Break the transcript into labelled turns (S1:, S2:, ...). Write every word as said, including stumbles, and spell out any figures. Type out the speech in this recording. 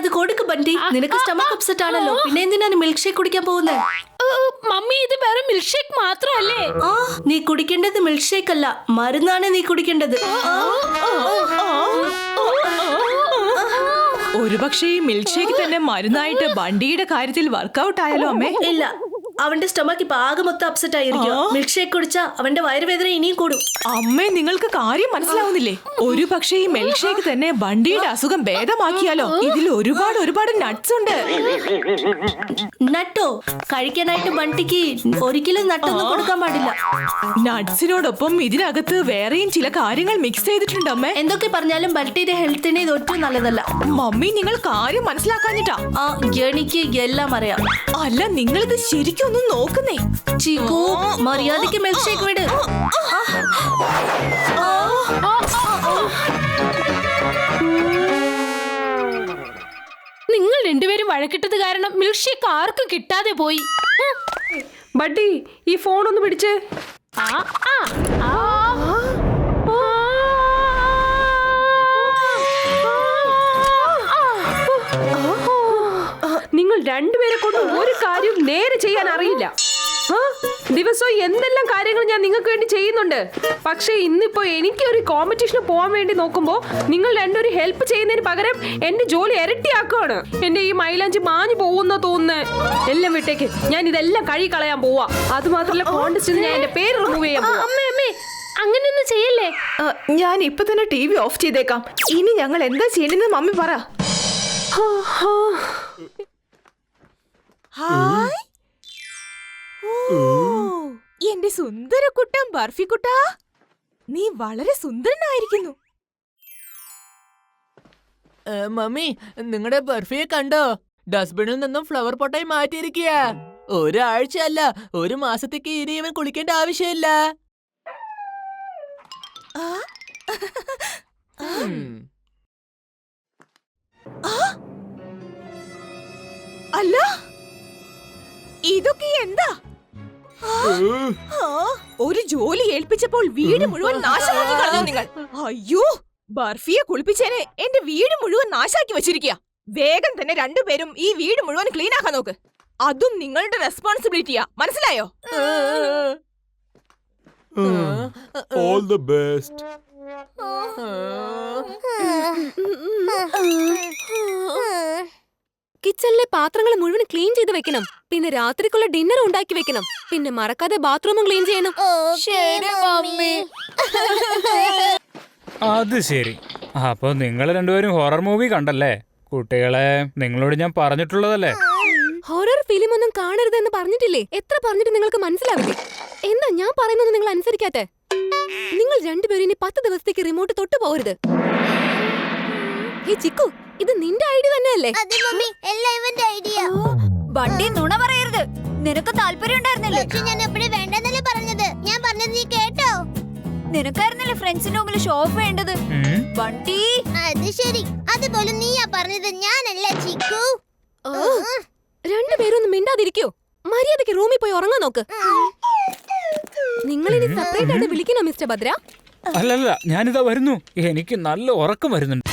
S1: അത് കൊടുക്ക് ബണ്ടി. നിനക്ക് സ്റ്റമക്ക് അപ്സെറ്റ് ആണല്ലോ, പിന്നെ എന്തിനാണ് മിൽക്ക് ഷേക്ക് കുടിക്കാൻ പോകുന്നത്?
S2: മമ്മി ഇത് വേറെ മിൽക്ക് ഷേക്ക് മാത്രല്ലേ?
S1: ആ നീ കുടിക്കേണ്ടത് മിൽക്ക് ഷേക്ക് അല്ല, മരുന്നാണ് നീ കുടിക്കേണ്ടത്.
S3: ഒരുപക്ഷെ ഈ മിൽക്ക് ഷേക്ക് തന്നെ മരുന്നായിട്ട് ബണ്ടിയുടെ കാര്യത്തിൽ വർക്കൗട്ട് ആയാലോ അമ്മേ?
S1: ഇല്ല, അവന്റെ സ്റ്റൊമക്ക് ഇപ്പൊ ആകെ മൊത്തം അപ്സെറ്റ് ആയിരിക്കും. മിൽക്ക് ഷേക്ക് കുടിച്ചാ അവന്റെ വയറുവേദന ഇനിയും കൂടും.
S3: അമ്മേ, നിങ്ങൾക്ക് കാര്യം മനസ്സിലാവുന്നില്ലേ? ഒരു പക്ഷേ ഈ മിൽക്ക് ഷേക്ക് തന്നെ ബണ്ടിയുടെ അസുഖം ഭേദമാക്കിയാലോ? ഇതിൽ ഒരുപാട് ഒരുപാട് നട്ട്സ് ഉണ്ട്.
S1: നട്ടോ? കഴിക്കാനായിട്ട് ബണ്ടിക്ക് ഒരിക്കലും നട്ടൊന്നും കൊടുക്കാൻ പാടില്ല.
S3: നട്ട്സിനോടൊപ്പം ഇതിനകത്ത് വേറെയും ചില കാര്യങ്ങൾ മിക്സ് ചെയ്തിട്ടുണ്ട് അമ്മേ.
S1: എന്തൊക്കെ പറഞ്ഞാലും ബണ്ടിയുടെ ഹെൽത്തിന് ഇത് ഒട്ടും നല്ലതല്ല.
S3: മമ്മി, നിങ്ങൾ കാര്യം മനസ്സിലാക്കാഞ്ഞിട്ടാ?
S1: ആ എനിക്ക് എല്ലാം അറിയാം.
S3: അല്ല, നിങ്ങളിത് ശരിക്കും ഒന്ന് നോക്കുന്നേ.
S1: ചീക്കു, മര്യാദയ്ക്ക് മിൽക്ക് ഷേക്ക് വിട്.
S2: നിങ്ങൾ രണ്ടുപേരും വഴക്കിട്ടത് കാരണം മിൽക്ക് ഷേക്ക് ആർക്കും കിട്ടാതെ പോയി.
S4: ബഡ്ഡി, ഈ ഫോൺ ഒന്ന് പിടിച്ചേ.
S2: ആ ആ ആ
S4: നിങ്ങൾ രണ്ടുപേരെ കൊണ്ട് ഒരു കാര്യം നേരെ ചെയ്യാൻ അറിയില്ല. ദിവസവും എന്തെല്ലാം കാര്യങ്ങൾ ഞാൻ നിങ്ങൾക്ക് വേണ്ടി ചെയ്യുന്നുണ്ട്. പക്ഷേ ഇന്നിപ്പോ എനിക്ക് ഒരു കോമ്പറ്റീഷന് പോകാൻ വേണ്ടി നോക്കുമ്പോ നിങ്ങൾ രണ്ടുപേരും ഹെൽപ്പ് ചെയ്യുന്നതിന് പകരം എന്റെ ജോലി ഇരട്ടിയാക്കുകയാണ്. എന്റെ ഈ മൈലാഞ്ചി മാഞ്ഞു പോകുന്ന തോന്നുന്നു. എല്ലാം വിട്ടേക്ക്, ഞാൻ ഇതെല്ലാം കഴുകി കളയാൻ പോവാ. അത് മാത്രമല്ല, കോൺടെസ്റ്റിൽ ഞാൻ എന്റെ പേര് റിമൂവ് ചെയ്യാൻ പോവാ.
S2: അമ്മേ അമ്മേ, അങ്ങനെയൊന്നും ചെയ്യല്ലേ.
S3: ഞാൻ ഇപ്പൊ തന്നെ ടി വി ഓഫ് ചെയ്തേക്കാം. ഇനി ഞങ്ങൾ എന്താ ചെയ്യണെന്ന് മമ്മി പറ. ഹായ്, എന്റെ സുന്ദര കുട്ടൻ ബർഫി കുട്ടാ, നീ വളരെ സുന്ദരനായിരിക്കുന്നു.
S5: മമ്മി, നിങ്ങളുടെ ബർഫിയെ കണ്ടോ? ഡസ്റ്റ്ബിനിൽ നിന്നും ഫ്ലവർ പൊട്ടായി മാറ്റിയിരിക്കുക. ഒരാഴ്ച അല്ല, ഒരു മാസത്തേക്ക് ഇനി ഇവൻ കുളിക്കേണ്ട ആവശ്യമില്ല.
S3: അല്ല, ഇതൊക്കെ എന്താ? ഒരു ജോലി ഏൽപ്പിച്ചപ്പോൾ വീട് മുഴുവൻ നാശമാക്കി കളഞ്ഞു നിങ്ങൾ. അയ്യോ, ബർഫിയെ കുളിപ്പിച്ചേനെ എന്റെ വീട് മുഴുവൻ നാശാക്കി വെച്ചിരിക്കുക. വേഗം തന്നെ രണ്ടുപേരും ഈ വീട് മുഴുവൻ ക്ലീൻ ആക്കാൻ നോക്ക്. അതും നിങ്ങളുടെ റെസ്പോൺസിബിലിറ്റിയാ, മനസ്സിലായോ?
S6: All the best.
S7: കിച്ചണിലെ പാത്രങ്ങൾ മുഴുവൻ ക്ലീൻ ചെയ്ത് വെക്കണം. പിന്നെ രാത്രിക്കുള്ള ഡിന്നർ ഉണ്ടാക്കി വെക്കണം. പിന്നെ മറക്കാതെ ബാത്റൂമും ക്ലീൻ ചെയ്യണം.
S2: ശരി മമ്മി.
S8: അത് ശരി. അപ്പൊ നിങ്ങൾ രണ്ടുപേരും ഹൊറർ മൂവി കണ്ടല്ലേ? കുട്ടികളെ, നിങ്ങളോട് ഞാൻ പറഞ്ഞിട്ടുള്ളതല്ലേ?
S7: ഹൊറർ ഫിലിം ഒന്നും കാണരുതെന്ന് പറഞ്ഞിട്ടില്ലേ? എത്ര പറഞ്ഞിട്ട് നിങ്ങൾക്ക് മനസ്സിലാവില്ലേ? എന്താ ഞാൻ പറയുന്നത് നിങ്ങൾ അനുസരിക്കാത്തെ? നിങ്ങൾ രണ്ടുപേരും ഇനി പത്ത് ദിവസത്തേക്ക് റിമോട്ട് തൊട്ടു പോകരുത്. ഹേ ചിക്കു, ഇത് നിന്റെ ഐഡിയ തന്നെയല്ലേ?
S9: ബണ്ടി, നുണ പറയരുത്. നിനക്ക് താല്പര്യം ഉണ്ടായിരുന്നല്ലേ?
S10: ഞാൻ എപ്പോഴും വേണ്ടെന്നല്ലേ പറഞ്ഞത്. ഞാൻ പറഞ്ഞത് നീ കേട്ടോ?
S9: നിനക്കായിരുന്നല്ലേ ഫ്രണ്ട്സിന്റെ മുമ്പിൽ ഷോ ഓഫ് വേണ്ടത്. ബണ്ടി,
S10: അത് ശരി. അതുപോലെ നീയാ പറഞ്ഞത്, ഞാനല്ല ചിക്കു.
S7: രണ്ടുപേരും ഒന്ന് മിണ്ടാതിരിക്കോ? മര്യാദയ്ക്ക് റൂമിൽ പോയി ഉറങ്ങാൻ നോക്ക്. നിങ്ങൾ ഇനി സെപ്പറേറ്റ് ആയിട്ട് വിളിക്കണോ മിസ്റ്റർ ഭദ്ര?
S8: അല്ലല്ല, ഞാനിതാ വരുന്നു. എനിക്ക് നല്ല ഉറക്കം വരുന്നുണ്ട്.